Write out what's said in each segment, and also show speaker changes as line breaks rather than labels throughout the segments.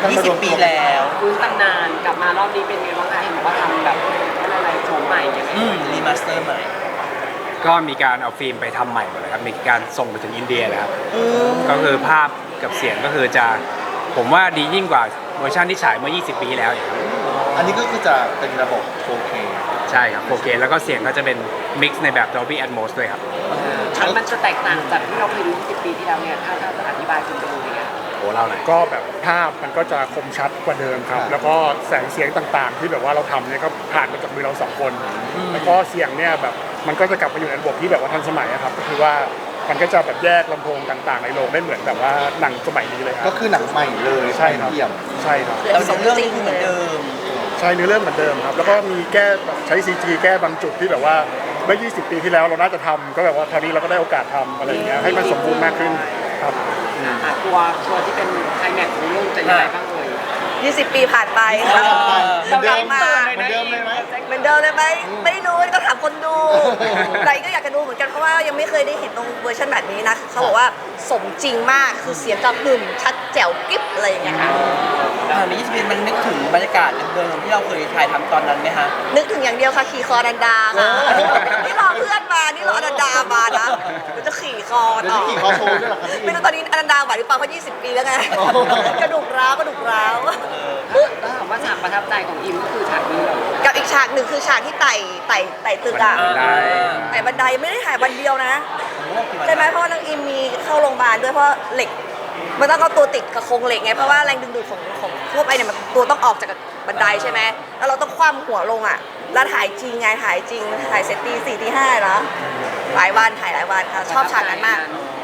20 ปีแล้ว
ฟื้นตำนานกลับมารอบนี้เป็นไงบ้างคะเห็นว่าทำแบบอะไรโฉมใหม่ยังไง
รีมาสเตอร์ใหม่
ก็มีการเอาฟิล์มไปทำใหม่หมดเลยครับมีการส่งไปถึงอินเดียเลยครับก็คือภาพกับเสียงก็คือจะผมว่าดียิ่งกว่าเวอร์ชันที่ฉายเมื่อ 20 ปีที่แล้วอีกครับ
อันนี้ก็คือจะเป็นระบบ 4K
ใช่ครับ 4K แล้วก็เสียงก็จะเป็นมิกซ์ในแบบ Dolby Atmos ด้วยครับ
มันจะแตกต่างจากที่เราเคยดู20 ปีที่แล้วเนี่ยถ้าจะอธิบายคุณดูเนี่ย
โอ้เล่าหน่อย
ก็แบบภาพมันก็จะคมชัดกว่าเดิมครับแล้วก็แสงเสียงต่างๆ ที่แบบว่าเราทำเนี่ยก็ผ่านมาจากมือเรา2 คนแล้วก็เสียงเนี่ยแบบมันก็จะกลับมาอยู่ในระบบที่แบบว่าทันสมัยครับก็คือว่ามันก็จะแบบแยกลำโพงต่างๆในโรงได้เหมือนแบบว่าหนังสมัยนี้เลยครับ
ก็คือหนังใหม่เลย
ใช่ครับ
เยี่ยม
ใช่ครับ
แต่สองเรื่องนี้คือเหมือนเดิม
ใช่เนื้อเรื่องเหมือนเดิมครับแล้วก็มีแก้ใช้ CG แก้บางจุดที่แบบว่าเมื่อ 20 ปีที่แล้วเราน่าจะทำก็แบบว่าคราวนี้เราก็ได้โอกาสทำอะไรอย่างเงี้ยให้มันสมบูรณ์มากขึ้นครับ
ตัวที่เป็นไคลแม็กซ์ของเรื่องจะยังไงบ้างเอ่ย
20 ปีผ่านไป
เหมือนเดิม
มา
เหมือนเดิมเลยไหม
เหมือนเดิมเลยไหมไม่รู้ก็ถามคนดูแต่ก็อยากจะดูเหมือนกันเพราะว่ายังไม่เคยได้เห็นตรงเวอร์ชันแบบนี้นะเขาบอกว่าสมจริงมากคือเสียงจะหึ่มชัดแจ๋วกิ๊บอะไรอย่างเงี้ยค่ะ
ใน20 ปีมันนึกถึงบรรยากาศเดิมๆที่เราเคยถ่ายทำตอนนั้นไหมฮะ
นึกถึงอย่างเดียวค่ะขี่คอนันดาค่ะนี่รอเพื่อนมานี่รออนันดามานะมันจะขี่คอ
ต่อขี่คอโชว์ด้วยหรอครับ
ไม่รู้ตอนนี้อนันดาไหวหรือเปล่าเพราะ20 ปีแล้วไงกระดูกร้าว
ถามว่าฉากประทับใจของอิมก็คือฉากนี้เหรอ
กับอีกฉากหนึ่งคือฉากที่ไต่ตึกอะไต่บันไดไม่ได้ถ่ายวันเดียวนะใช่ไหมเพราะว่านางอิมมีเข้าโรงพยาบาลด้วยเพราะเหล็กมันต้องเอาตัวติดกับโครงเหล็กไงเพราะว่าแรงดึงดูดของทั่วไปเนี่ยมันตัวต้องออกจากบันไดใช่ไหมแล้วเราต้องคว่ำหัวลงอะแล้วถ่ายจริงไงถ่ายจริงถ่ายเสร็จตี 4 ตี 5แล้วหลายวันถ่ายหลายวันค่ะชอบฉากนั้นมาก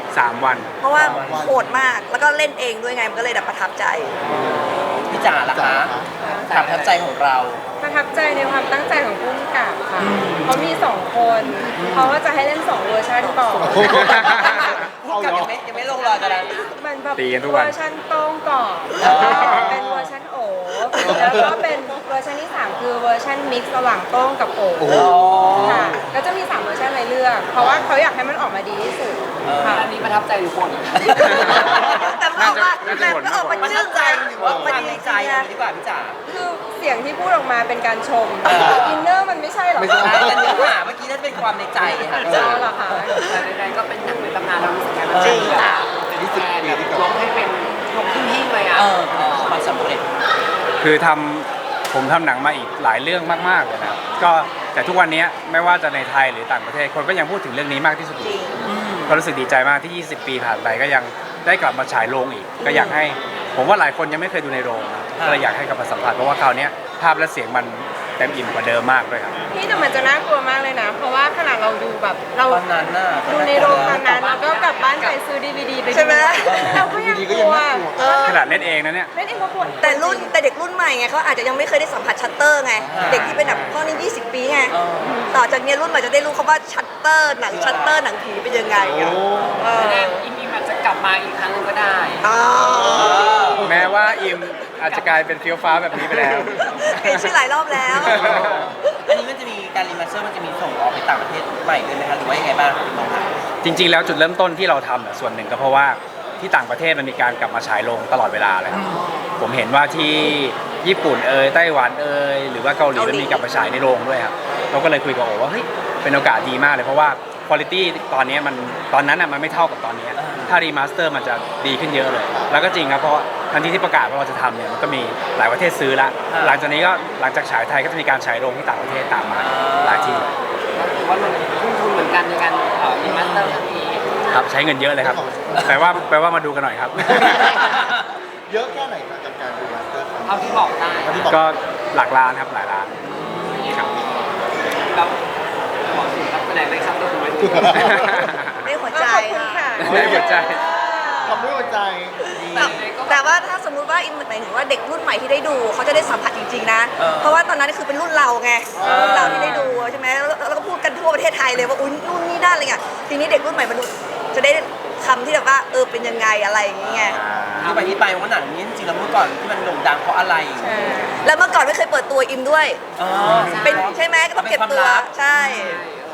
3 วัน
เพราะว่าโหดมากแล้วก็เล่นเองด้วยไงมันก็เลยแบบประทับใจ
พี่จ๋าล่ะคะความประทับใจของเรา
ประทับใจในความตั้งใจของผู้กำกับค่ะเขามี2 คนเขาก็จะให้เล่น2 เวอร์ชันก่อน
ผู้กำกับยังไม่ลงรอยกันแล้ว
มันแบบเวอร์ชันโต้งก่อนเป็นเวอร์ชันโอแล้วก็เป็นเวอร์ชันที่3คือเวอร์ชันมิกซ์ระหว่างโต้งกับโอค่ะก็จะมี3 เวอร์ชันให้เลือกเพราะว่าเขาอยากให้มันออกมาดีที่สุด
ค่ะอันนี้ประทับใจทุกคน
แต่พอมาชื่นใจ
หรือว่าความในใจดีกว่าพี่จ๋า
คือเสียงที่พูดออกมาเป็นการชมอินเนอร์มันไม่ใช่หรอก
แต่เนื้อหาเมื่อกี้นั่นเป็นความในใจค่ะ
เหรอคะ
แต่ใดๆก็เป็นหนังในตำนานเรารู้สึกไงบ้างจริงค่ะยกให้เป็นยกขึ้นหิ้งเลยอ่ะ
ความสำเร็จ
คือผมทำหนังมาอีกหลายเรื่องมากๆเลยนะก็แต่ทุกวันนี้ไม่ว่าจะในไทยหรือต่างประเทศคนก็ยังพูดถึงเรื่องนี้มากที่สุดก็รู้สึกดีใจมากที่ 20 ปีผ่านไปก็ยังได้กลับมาฉายโรงอีกก็อยากให้ผมว่าหลายคนยังไม่เคยดูในโรงก็เลยอยากให้กลับมาสัมผัสเพราะว่าคราวนี้ภาพและเสียงมันเต็มอิ่มกว่าเดิมมากด้วยครับ
พี่แต่มันจะน่ากลัวมากเลยนะเพราะว่าขนาดเราดูแบบเรา
ตอนนั้นน่ะ
ดูในโรงตอนนั้นแล้วก็กลับบ้านไปซื้อ DVD ไป
ใช่ไหม
เราก็ยังกลัว
ขนาดเล่นเองนะเนี่ย
เล่นเองก็กลัว
แต่เด็กรุ่นใหม่ไงเขาอาจจะยังไม่เคยได้สัมผัสชัตเตอร์ไงเด็กที่เป็นแบบพ่อนี่20 ปีไงต่อจากนี้รุ่นใหม่จะได้รู้เขาว่าชัตเตอร์หนังชัตเตอร์หนังผีเป็นยังไง
อิมอาจจะกลับมาอีกครั้งนึงก็ได้
แม้ว่าอิมอาจจะกลายเป็นเฟี้ยวฟ้าแบบนี้ไปแล้ว
เปลี่ยนชื่อหลายรอบแล้ว
อันนี้มันจะมีการรีมาสเตอร์มันจะมีส่งออกไปต่างประเทศใหม่ด้วยไหมคะหรือว่ายังไงบ้าง
จริงๆแล้วจุดเริ่มต้นที่เราทำส่วนหนึ่งก็เพราะว่าที่ต่างประเทศมันมีการกลับมาฉายโรงตลอดเวลาเลยผมเห็นว่าที่ญี่ปุ่นไต้หวันหรือว่าเกาหลีมันมีกลับมาฉายในโรงด้วยครับเราก็เลยคุยกับโอว่าเฮ้ยเป็นโอกาสดีมากเลยเพราะว่าคุณภาพตอนนี้ตอนนั้นมันไม่เท่ากับตอนนี้ถ้ารีมาสเตอร์มันจะดีขึ้นเยอะเลยแล้วก็จริงครับเพราะทันทีที่ประกาศว่าเราจะทำเนี่ยมันก็มีหลายประเทศซื้อละหลังจากนี้ก็หลังจากฉายไทยก็จะมีการฉายโรงที่ต่างประเทศตามมาหลายที่
ถือว่ามันทุ่มทุนเหมือนกันในการรีมาสเตอร์ครั้งนี้
ครับใช้เงินเยอะเลยครับแปลว่ามาดูกันหน่อยครับ
เยอะแค่ไหนกับการรีมาสเตอร์
เอาที่บอกได้
ก็หลักล้านครับหลายล้านครับ
แล้วขอถึงครับแสดงได้ครับตัวคุณไม่ถูก
ไม่หัวใจ
ค่ะ
ไม่หัวใจ
ทำด้วยหัวใจ
แต่ว่าถ้าสมมุติว่าอินหมายถึงว่าเด็กรุ่นใหม่ที่ได้ดูเขาจะได้สัมผัสจริงๆนะเพราะว่าตอนนั้นคือเป็นรุ่นเราไงรุ่นเราที่ได้ดูใช่ไหมแล้วก็พูดกันทั่วประเทศไทยเลยว่าอุ้ยนู่นนี่นั่นอะไรเงี้ยทีนี้เด็กรุ่นใหม่มันจะได้คำที่แบบว่าเป็นยังไงอะไรอย่างเงี้ย
ที่ไปที่ไปว่าหนังนี้จริงๆแล้วเมื่อก่อนที่มันโด่งดังเพราะอะไร
แล้วเมื่อก่อนไม่เคยเปิดตัวอิมด้วยเป็นใช่ไหมก็ต้องเก็บตัวใช่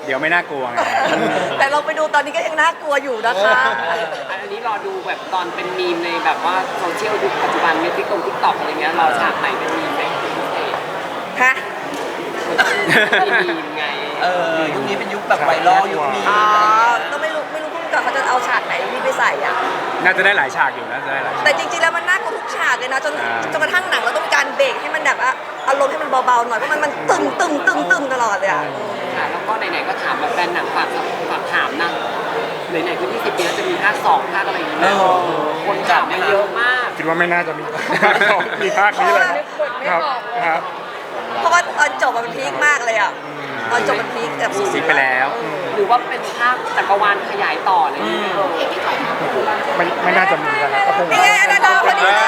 เดี๋ยวไม่น่ากลัวไง
แต่เราไปดูตอนนี้ก็ยังน่ากลัวอยู่นะคะ
อันนี้รอดูแบบตอนเป็นมีมในแบบว่าโซเชียลยุคปัจจุบันในติ๊กต็อกอะไรเงี้ยรอฉากไหนเป็นมีมไหมเป็นพิเศษ
ฮะ
มีมีมไง
ยุคนี้เป็นยุคแบบไวรัลยุคมี
อ๋อ
อะไรอย่างเงี้ย
ก็ไม่รู้พุ่งกับเขาจะเอาฉากไหนที่ไปใส่อ่ะ
น่าจะได้หลายฉากอยู่น่าจะได้หลายฉาก
แต่จริงๆ แล้วมันน่ากลัวทุกฉากเลยนะจนกระทั่งหนังเราต้องมีการเบรกให้มันแบบว่าอารมณ์ให้มันเบาๆหน่อยเพราะมันตึงตลอดเลยอ่ะ
ค่ะแล้วก็ไหนๆก็ถามแบบแฟนหนังฝากถามนะไหนๆก็20 ปีแล้วจะมีภาค2ภาคอะไรอย่างเงี้ยคนถามมาเยอะมาก
คิดว่าไม่น่าจะมีภาคสองมีภาคนี้เลยครับครับ
เพราะว่าตอนจบมันพีคมากเลยอ่ะตอนจบมันพีคแบบสุด
ซิกไปแล้ว
หรือว่าเป็นภาคจักรวาลขยายต่ออะไรอย่างเงี้ย
ไม่น่าจะมีกันแล้วก็คง
นี่ไงอันนั้นเราพอดีเลย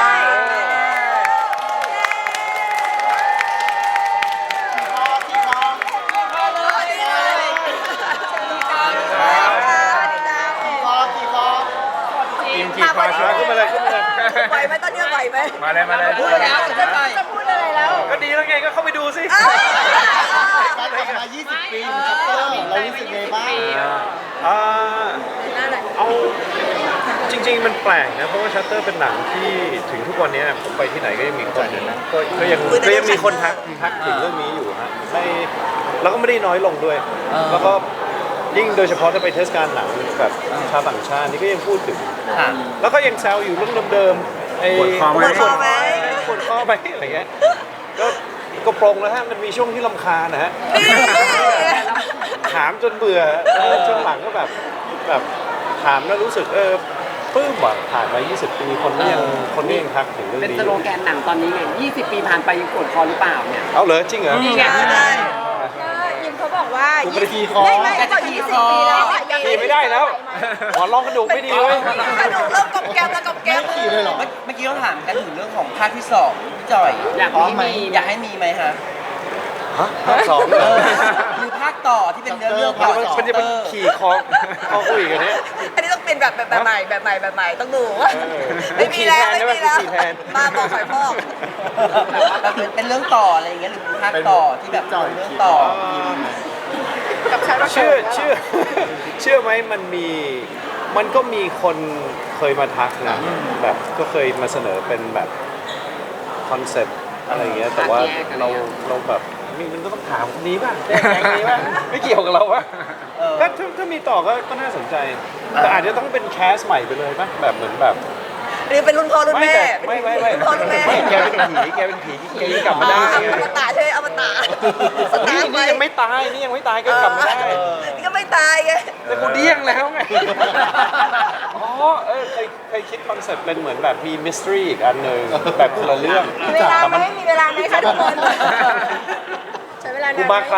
ขี่คอเชือกขึ้นมาเลยขึ้นมาเลย
ไหวไหมตอนนี้ไหวไหม
มาเลยมาเลย
พูดแล้วจะไป
จะพูดอะไรแล้ว
ก็ดีแล้วไงก็เข้าไปดูสิ
การกลับมา 20 ปีของชัตเตอร์เรารู้สึกไงบ้าง
เอาจริงๆมันแปลกนะเพราะว่าชัตเตอร์เป็นหนังที่ถึงทุกวันนี้ผมไปที่ไหนก็ยังมีคนก็ยังมีคนทักถึงเรื่องนี้อยู่ฮะแล้วก็ไม่ได้น้อยลงด้วย แล้วก็ยิ่งโดยเฉพาะถ้าไปเทศกาลหนังแบบชาวต่างชาตินี่ก็ยังพูดถึง
ค่ะ
แล้วก็ยังแซวอยู่เรื่องเดิมๆไอ้
ปวดคอไหม
ปวดคอไหม
ปวดคอไหมอะไรเงี้ยก็ปรงแล้วฮะมันมีช่วงที่รำคาญนะฮะ ถามจนเบื่อช่วงหลังก็แบบถามแล้วรู้สึกปลื้มว่ะผ่านมา 20 ปีคนก็ยังทักถึงเรื่อง
เป็น
นี้
สโลแกนหนังตอนนี้ไง20 ปีผ่านไปยังปวดคอหรือเปล่าเนี่ย
เอาเหรอจริงเหรอ
นี่ไง
ก็ยิมเขาบอกว่า
กูไม่ได้ขี่คอ
ไม่เขาบอก20 ปีแล้ว
ขี่ไม่ได้แล้วหมอนรองกระดูกไม่ดีเลย
กระดูกเริ่มกรอบแกรมแล้วกรอบแกรม
ขี่เลยเหรอ
เมื่อกี้เราถามกันถึงเรื่องของภาคที่2พี่จอย
อยาก
พร้อม
ให้
ไหม
มี
อยากให้มีไหมฮะ
ฮะภาคสองเหรอ
หรือภาคต่อที่เป็นเรื่องต่อจาก
มันจะเป็นขี่คอคุยกันเนี่ย
อันนี้ต้องเป็นแบบใหม่ต้องดู
เออ
ไม่มีแล้ว
ขี่
ไม่
แทน
มีแล้ว
ขี่แทน
มาบอกหอยพอก
แบบเป็นเรื่องต่ออะไรอย่างเงี้ยหรือภาคต่อที่แบบเป็นเรื่องต่อ
เชื่อไหมมันก็มีคนเคยมาทักนะแบบก็เคยมาเสนอเป็นแบบคอนเซ็ปต์อะไรอย่างเงี้ยแต่ว่าเราแบบมันก็ต้องถามคนนี้ป่ะแก๊งนี้ป่ะไม่เกี่ยวกับเราป่ะถ้ามีต่อก็น่าสนใจแต่อาจจะต้องเป็นแคสใหม่ไปเลยป่ะแบบเหมือนแบบ
อันนี้เป็นรุ่นพ่อรุ่นแม่
ไม่
รุ่นพ่อรุ่นแม่
แกเป็นผีแกกลับมาได้
อมตะใช่ไหมอมตะสตาร์ท
นี่ยังไม่ตายก็กลับมาได้
นี่ก็ไม่ตายไง
แต่กูเดี้ยงแล้วไง อ๋อเคยคิดคอนเซ็ปต์เป็นเหมือนแบบมีมิสทรีอีกอันหนึ่งแบบคนละเรื่อง
มีเวลาไหมมีเวลาไหมคะทุกคนใช้เวลา
กู
นาน
มา
ไห
ใคร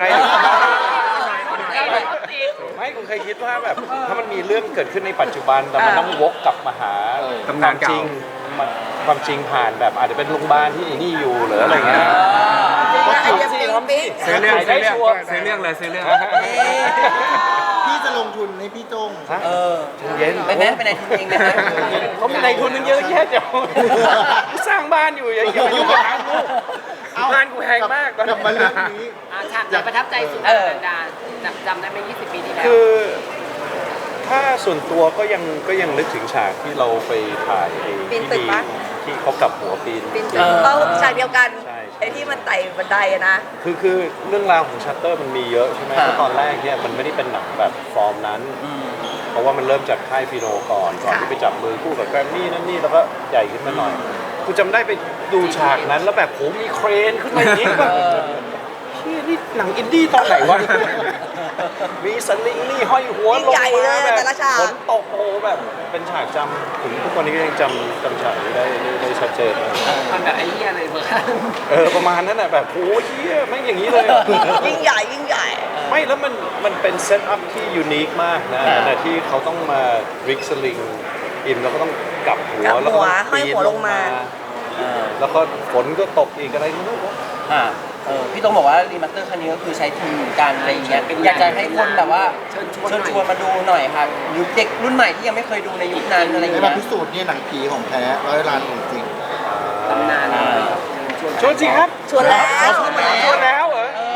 ไม่กูเคยคิดว่าแบบถ้ามันมีเรื่องเกิดขึ้นในปัจจุบันแต่มันต้องวกกลับมาหา
ตำนานเก่า
ความจริงผ่านแบบอาจจะเป็นโรงพยาบาลที่ไอ้นี่อยู่หรืออะไรเงี้ย
ไอเดียปิ๊ง
ซื้อเรื่อง
ได้ชัวร์
ซื้อเรื่องเลยซื้อเรื่อง
พี่จะลงทุนให้พี่โจ้ง
เย็น
ไปแม่ไปในทุนเองไหมฮะ
เขามีในทุนนึงเยอะแยะเดี๋ยวสร้างบ้านอยู่อย่ายุ่งกับทางกูบ้านกูแพงมากตอน
กลับมาเรื่องนี้
ฉากไหนประทับใจสุดดาจำได้ไหม20 ปีที่แล้ว
คือถ้าส่วนตัวก็ยังนึกถึงฉากที่เราไปถ่ายไอ้ที่เขากลับหัวปีน
ปิ๊งเขาฉากเดียวกัน
ใช่
ไอที่มันไต่บันไดอะนะ
คือเรื่องราวของชัตเตอร์มันมีเยอะใช่ไหมเพราะตอนแรกเนี่ยมันไม่ได้เป็นหนังแบบฟอร์มนั้น เพราะว่ามันเริ่มจากค่ายฟิโนก่อนที่ไปจับมือคู่กับแกรมมี่นั่นนี่แล้วก็ใหญ่ขึ้นมาหน่อยกูจำได้ไปดูฉากนั้นแล้วแบบโหมีเครนขึ้นมาอย่างนี้แบบเชี่ยนี่หนังอินดี้ตอนไหนวะ มีสลิงนี่ห้อยหัวลง
ใหญ่เล
มาย แบบ
แต่ละฉาก
ฝนตกโอ้แบบเป็นฉากจำถึงทุกวันนี้ก็ยังจำฉากนี้ได้ชัดเจนเลย
มันแบบไอ้เหี้ยเลยเบอร์
ประมาณนั้นน่ะแบบโอ้ยเหี้ยแม่งอย่างนี้เลยอะ
ยิ่งใหญ่ยิ่งใหญ่
ไม่แล้วมันเป็นเซตอัพที่ยูนิคมากนะแต่ที่เขาต้องมาริกสลิงอินแล้วก็ต้องกลับหัว
กลับหัว
แล้วก็ต้อง
ห้อยหัวลงมา
แล้วก็ฝนก็ตกอีกอะไรไม่รู้
พี่ต้องบอกว่ารีมาสเตอร์ครั้งนี้ก็คือใช้ทุนการอะไรอย่างเงี้ยอยากจะให้คนแบบว่าเชิญชวนมาดูหน่อยครับยุคเด็กรุ่นใหม่ที่ยังไม่เคยดูในยุคนั้นอะไรอย่าง
ได้
เงี้
มาย พิสูจน์เนี่ยหนังผีของแท้100 ล้านของจริง
ตำนาน
ชวนสิครับ
ชวนแล้ว
ชวนแล้วเหรอ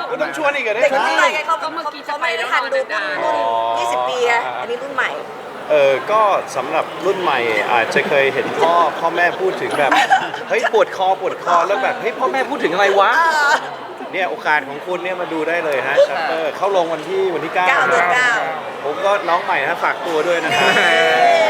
ก็ต้องชวนอีกเหรอเนี่ย
เด็กรุ่นใหม่ไงเขาไม่ได้ทันดูรุ่น20 ปีไงอันนี้รุ่นใหม่
ก็สำหรับรุ่นใหม่อาจจะเคยเห็นพ่อแม่พูดถึงแบบเฮ้ยปวดคอแล้วแบบเฮ้ยพ่อแม่พูดถึงอะไรวะเนี่ยโอกาสของคุณเนี่ยมาดูได้เลยฮะชัตเตอร์เข้าลงวันที่9
9 เดือน 9
ผมก็น้องใหม่นะฝากตัวด้วยนะครับ